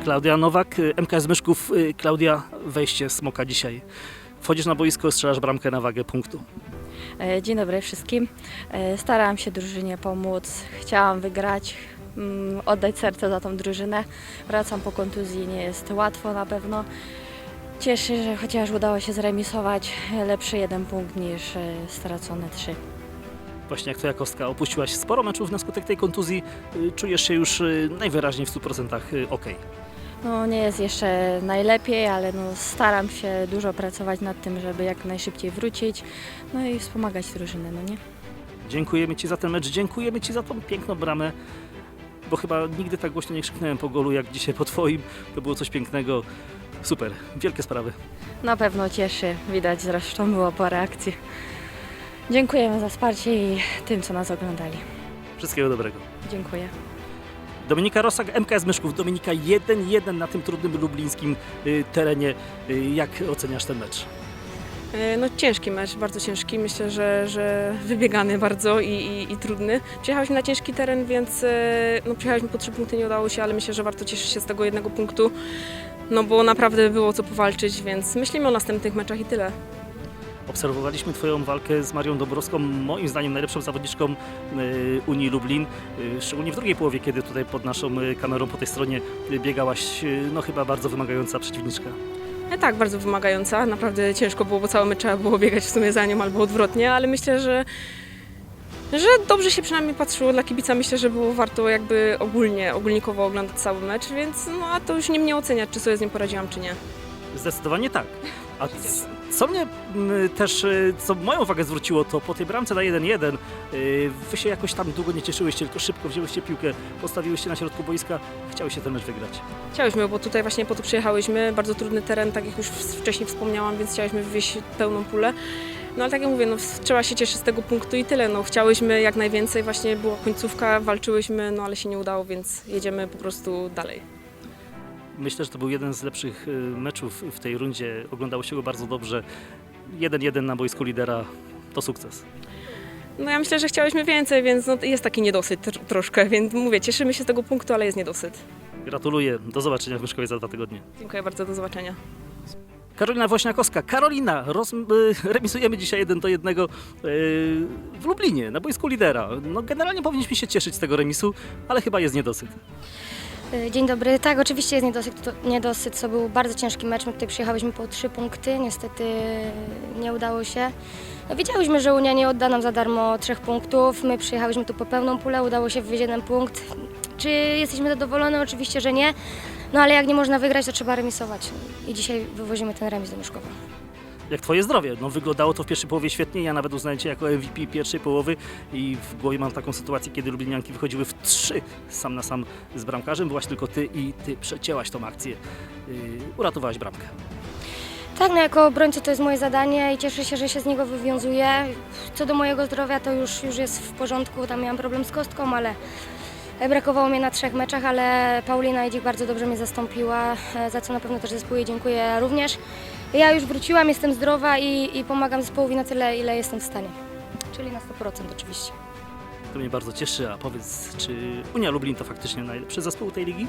Klaudia Nowak, MKS Myszków. Klaudia, wejście Smoka dzisiaj. Wchodzisz na boisko, strzelasz bramkę na wagę punktu. Dzień dobry wszystkim. Starałam się drużynie pomóc, chciałam wygrać, oddać serce za tą drużynę. Wracam po kontuzji, nie jest łatwo na pewno. Cieszę, że chociaż udało się zremisować, lepszy 1 punkt niż stracone 3. Właśnie jak twoja kostka, opuściłaś sporo meczów na skutek tej kontuzji. Czujesz się już najwyraźniej w 100% okej. No, nie jest jeszcze najlepiej, ale staram się dużo pracować nad tym, żeby jak najszybciej wrócić, no i wspomagać drużynę, no nie? Dziękujemy Ci za ten mecz, dziękujemy Ci za tą piękną bramę, bo chyba nigdy tak głośno nie krzyknąłem po golu jak dzisiaj po Twoim. To było coś pięknego. Super, wielkie sprawy. Na pewno cieszy, widać zresztą było po reakcji. Dziękujemy za wsparcie i tym, co nas oglądali. Wszystkiego dobrego. Dziękuję. Dominika Rosak, MKS Myszków. Dominika 1-1 na tym trudnym lublińskim terenie. Jak oceniasz ten mecz? No ciężki mecz, bardzo ciężki. Myślę, że wybiegany bardzo i trudny. Przyjechałyśmy na ciężki teren, więc przyjechałyśmy po 3 punkty, nie udało się, ale myślę, że warto cieszyć się z tego 1 punktu, no bo naprawdę było co powalczyć, więc myślimy o następnych meczach i tyle. Obserwowaliśmy Twoją walkę z Marią Dąbrowską, moim zdaniem najlepszą zawodniczką Unii Lublin, szczególnie w drugiej połowie, kiedy tutaj pod naszą kamerą po tej stronie biegałaś, no chyba bardzo wymagająca przeciwniczka. Tak, bardzo wymagająca, naprawdę ciężko było, bo cały mecz trzeba było biegać w sumie za nią albo odwrotnie, ale myślę, że dobrze się przynajmniej patrzyło dla kibica. Myślę, że było warto jakby ogólnikowo oglądać cały mecz, więc a to już nie mnie oceniać, czy sobie z nim poradziłam, czy nie. Zdecydowanie tak. A co mnie też, co moją uwagę zwróciło, to po tej bramce na 1-1 wy się jakoś tam długo nie cieszyłyście, tylko szybko wzięłyście piłkę, postawiłyście na środku boiska, chciałyście ten mecz wygrać. Chciałyśmy, bo tutaj właśnie po to przyjechałyśmy, bardzo trudny teren, tak jak już wcześniej wspomniałam, więc chciałyśmy wywieźć pełną pulę. No ale tak jak mówię, trzeba się cieszyć z tego punktu i tyle. Chciałyśmy jak najwięcej, właśnie była końcówka, walczyłyśmy, ale się nie udało, więc jedziemy po prostu dalej. Myślę, że to był jeden z lepszych meczów w tej rundzie. Oglądało się go bardzo dobrze. 1-1 na boisku lidera to sukces. No ja myślę, że chciałyśmy więcej, więc jest taki niedosyt troszkę, więc mówię, cieszymy się z tego punktu, ale jest niedosyt. Gratuluję. Do zobaczenia w Myszkowie za 2 tygodnie. Dziękuję bardzo, do zobaczenia. Karolina Woźniakowska. Karolina, remisujemy dzisiaj 1-1 w Lublinie, na boisku lidera. No generalnie powinniśmy się cieszyć z tego remisu, ale chyba jest niedosyt. Dzień dobry. Tak, oczywiście jest niedosyt. To był bardzo ciężki mecz. My tutaj przyjechałyśmy po 3 punkty. Niestety nie udało się. No, wiedziałyśmy, że Unia nie odda nam za darmo 3 punktów. My przyjechałyśmy tu po pełną pulę. Udało się wywieźć 1 punkt. Czy jesteśmy zadowolone? Oczywiście, że nie. No ale jak nie można wygrać, to trzeba remisować. I dzisiaj wywozimy ten remis do Myszkowa. Jak Twoje zdrowie? No wyglądało to w pierwszej połowie świetnie. Ja nawet uznaję Cię jako MVP pierwszej połowy i w głowie mam taką sytuację, kiedy lublinianki wychodziły w 3 sam na sam z bramkarzem. Byłaś tylko Ty i Ty przecięłaś tą akcję. Uratowałaś bramkę. Tak, no jako obrońcy to jest moje zadanie i cieszę się, że się z niego wywiązuję. Co do mojego zdrowia to już jest w porządku. Tam miałam problem z kostką, ale brakowało mnie na 3 meczach, ale Paulina Idzik bardzo dobrze mnie zastąpiła, za co na pewno też zespołu dziękuję również. Ja już wróciłam, jestem zdrowa i pomagam zespołowi na tyle, ile jestem w stanie. Czyli na 100% oczywiście. To mnie bardzo cieszy. A powiedz, czy Unia Lublin to faktycznie najlepszy zespół tej ligi?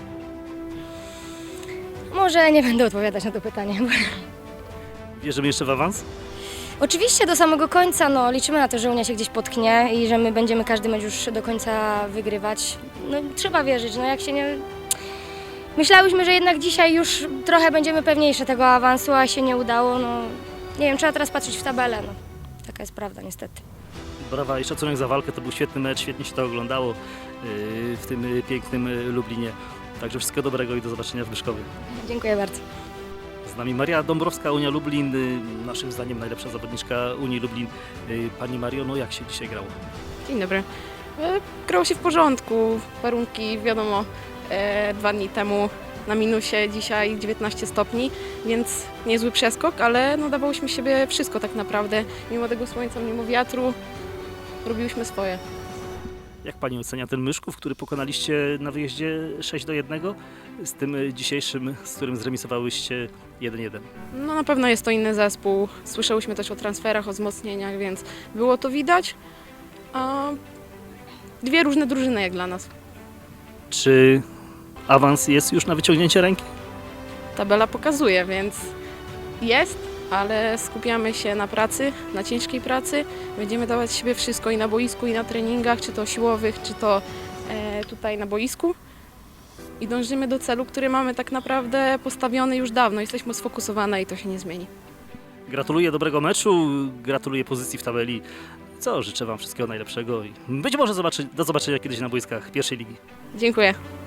Może nie będę odpowiadać na to pytanie. Wierzymy jeszcze w awans? Oczywiście do samego końca, liczymy na to, że Unia się gdzieś potknie i że my będziemy każdy mecz już do końca wygrywać. Trzeba wierzyć, jak się nie... Myślałyśmy, że jednak dzisiaj już trochę będziemy pewniejsze tego awansu, a się nie udało. Nie wiem, trzeba teraz patrzeć w tabelę. Taka jest prawda niestety. Brawa i szacunek za walkę. To był świetny mecz, świetnie się to oglądało w tym pięknym Lublinie. Także wszystkiego dobrego i do zobaczenia w Myszkowie. Dziękuję bardzo. Z nami Maria Dąbrowska, Unia Lublin, naszym zdaniem najlepsza zawodniczka Unii Lublin. Pani Mario, jak się dzisiaj grało? Dzień dobry. Grało się w porządku, warunki wiadomo, 2 dni temu na minusie, dzisiaj 19 stopni, więc niezły przeskok, ale dawałyśmy siebie wszystko tak naprawdę. Mimo tego słońca, mimo wiatru, robiłyśmy swoje. Jak Pani ocenia ten Myszków, który pokonaliście na wyjeździe 6-1 z tym dzisiejszym, z którym zremisowałyście 1-1? Na pewno jest to inny zespół. Słyszałyśmy też o transferach, o wzmocnieniach, więc było to widać. A 2 różne drużyny jak dla nas. Czy awans jest już na wyciągnięcie ręki? Tabela pokazuje, więc jest, ale skupiamy się na pracy, na ciężkiej pracy. Będziemy dawać z siebie wszystko i na boisku, i na treningach, czy to siłowych, czy to tutaj na boisku. I dążymy do celu, który mamy tak naprawdę postawiony już dawno. Jesteśmy sfokusowane i to się nie zmieni. Gratuluję dobrego meczu, gratuluję pozycji w tabeli. Co, życzę Wam wszystkiego najlepszego i być może do zobaczenia kiedyś na boiskach pierwszej ligi. Dziękuję.